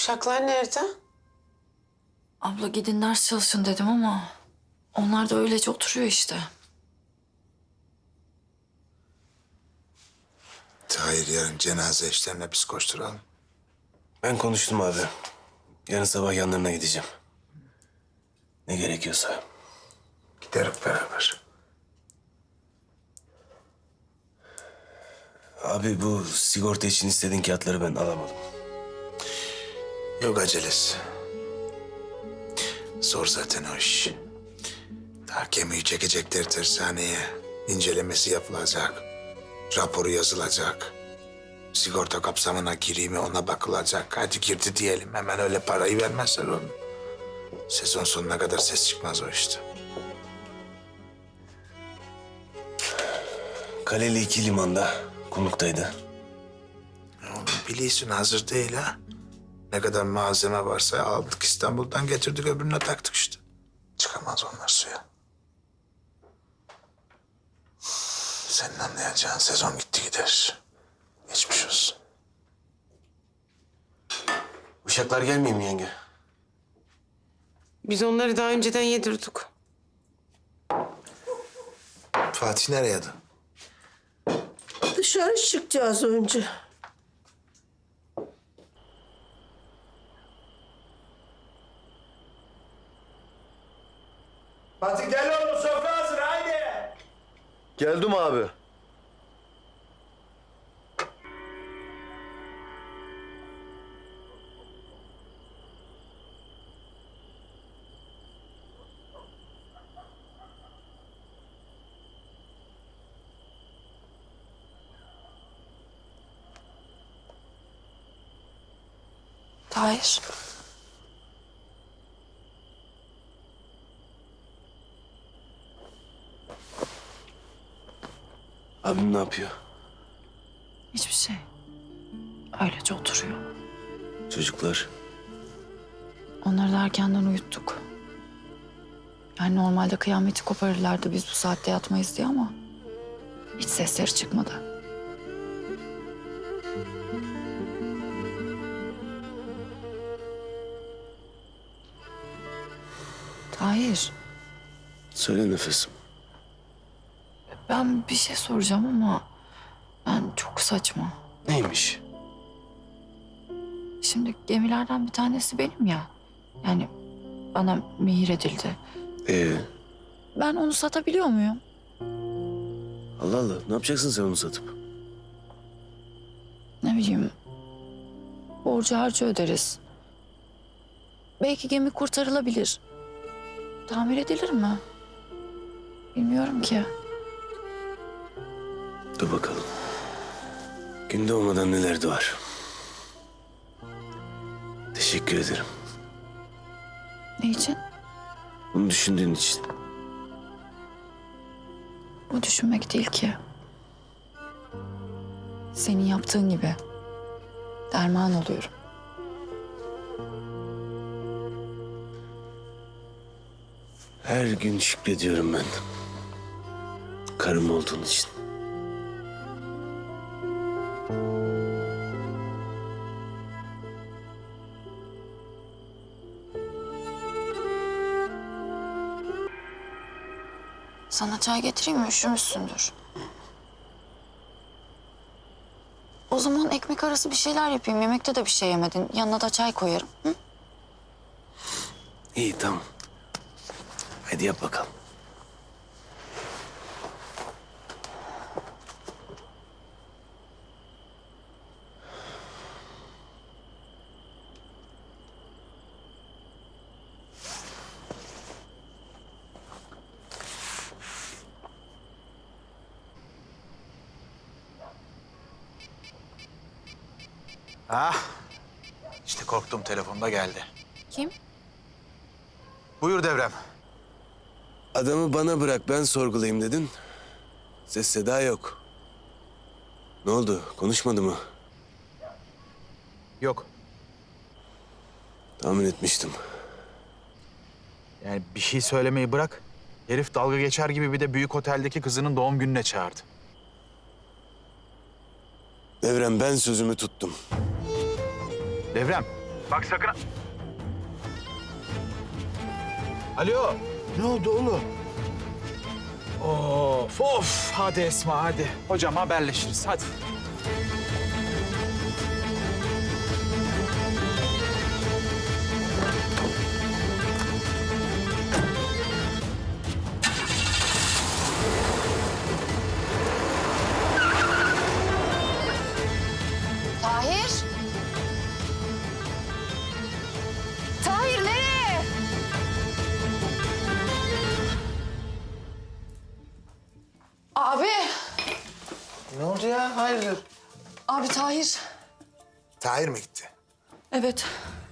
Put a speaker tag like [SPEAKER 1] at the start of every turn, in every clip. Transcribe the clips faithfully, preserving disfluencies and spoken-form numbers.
[SPEAKER 1] Uşaklar nerede?
[SPEAKER 2] Abla gidin ders çalışın dedim ama onlar da öylece oturuyor işte.
[SPEAKER 3] Tahir yarın cenaze işlerine biz koşturalım.
[SPEAKER 4] Ben konuştum abi. Yarın sabah yanlarına gideceğim. Ne gerekiyorsa.
[SPEAKER 3] Gideriz beraber.
[SPEAKER 4] Abi bu sigorta için istediğin kağıtları ben alamadım.
[SPEAKER 3] Yok acelesi. Zor zaten o iş. Daha gemiyi çekecekler tersaneye. İncelemesi yapılacak. Raporu yazılacak. Sigorta kapsamına gireyim mi ona bakılacak. Hadi girdi diyelim. Hemen öyle parayı vermezler onu. Sezon sonuna kadar ses çıkmaz o işte.
[SPEAKER 4] Kaleli iki limanda, konuktaydı.
[SPEAKER 3] Oğlum biliyorsun hazır değil ha. Ne kadar malzeme varsa aldık İstanbul'dan getirdik öbürüne taktık işte. Çıkamaz onlar suya. Senin anlayacağın sezon gitti gider. Geçmiş olsun.
[SPEAKER 4] Uşaklar gelmiyor mu yenge?
[SPEAKER 1] Biz onları daha önceden yedirdik.
[SPEAKER 3] Fatih nereye adı?
[SPEAKER 5] Dışarı çıkacağız önce.
[SPEAKER 6] Fatih gel oğlum sofra hazır haydi.
[SPEAKER 7] Geldim abi.
[SPEAKER 2] Tahir.
[SPEAKER 4] Abim ne yapıyor?
[SPEAKER 2] Hiçbir şey. Öylece oturuyor.
[SPEAKER 4] Çocuklar.
[SPEAKER 2] Onları da erkenden uyuttuk. Yani normalde kıyameti koparırlardı biz bu saatte yatmayız diye ama hiç sesleri çıkmadı. Tahir,
[SPEAKER 4] Söyle nefesim.
[SPEAKER 2] ben bir şey soracağım ama ben çok saçma.
[SPEAKER 4] Neymiş?
[SPEAKER 2] Şimdi gemilerden bir tanesi benim ya. Yani bana mihir edildi.
[SPEAKER 4] Ee,
[SPEAKER 2] Ben onu satabiliyor muyum?
[SPEAKER 4] Allah Allah. Ne yapacaksın sen onu satıp?
[SPEAKER 2] Ne bileyim, borcu harcı öderiz. Belki gemi kurtarılabilir. Tamir edilir mi? Bilmiyorum ki.
[SPEAKER 4] Dur bakalım. Günde olmadan neler de var. Teşekkür ederim.
[SPEAKER 2] Ne için?
[SPEAKER 4] Bunu düşündüğün için.
[SPEAKER 2] Bu düşünmek değil ki. Senin yaptığın gibi. Derman oluyorum.
[SPEAKER 4] Her gün şükrediyorum ben. Karım olduğun için.
[SPEAKER 2] Sana çay getireyim mi? Üşümüşsündür. O zaman ekmek arası bir şeyler yapayım. Yemekte de bir şey yemedin. Yanına da çay koyarım. Hı?
[SPEAKER 4] İyi tamam. Hadi yap bakalım.
[SPEAKER 6] Ah işte korktuğum telefonda geldi.
[SPEAKER 2] Kim?
[SPEAKER 6] Buyur Devrem.
[SPEAKER 4] Adamı bana bırak ben sorgulayayım dedin. Ses seda yok. Ne oldu? Konuşmadı mı?
[SPEAKER 6] Yok
[SPEAKER 4] Tahmin etmiştim.
[SPEAKER 6] yani bir şey söylemeyi bırak. Herif dalga geçer gibi bir de büyük oteldeki kızının doğum gününe çağırdı.
[SPEAKER 4] Devrem ben sözümü tuttum.
[SPEAKER 6] Devrem Bak sakın... Alo.
[SPEAKER 7] Ne oldu oğlum?
[SPEAKER 6] Of of. Hadi Esma hadi. Hocam haberleşiriz hadi.
[SPEAKER 2] Tahir! Tahir nereye? Abi!
[SPEAKER 3] Ne oldu ya? Hayırdır?
[SPEAKER 2] Abi Tahir.
[SPEAKER 3] Tahir mi gitti?
[SPEAKER 2] Evet.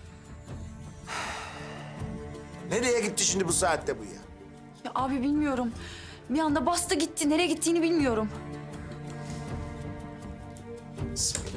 [SPEAKER 3] Nereye gitti şimdi bu saatte bu ya?
[SPEAKER 2] Ya abi bilmiyorum. Bir anda bastı gitti. Nereye gittiğini bilmiyorum.
[SPEAKER 3] Bismillah.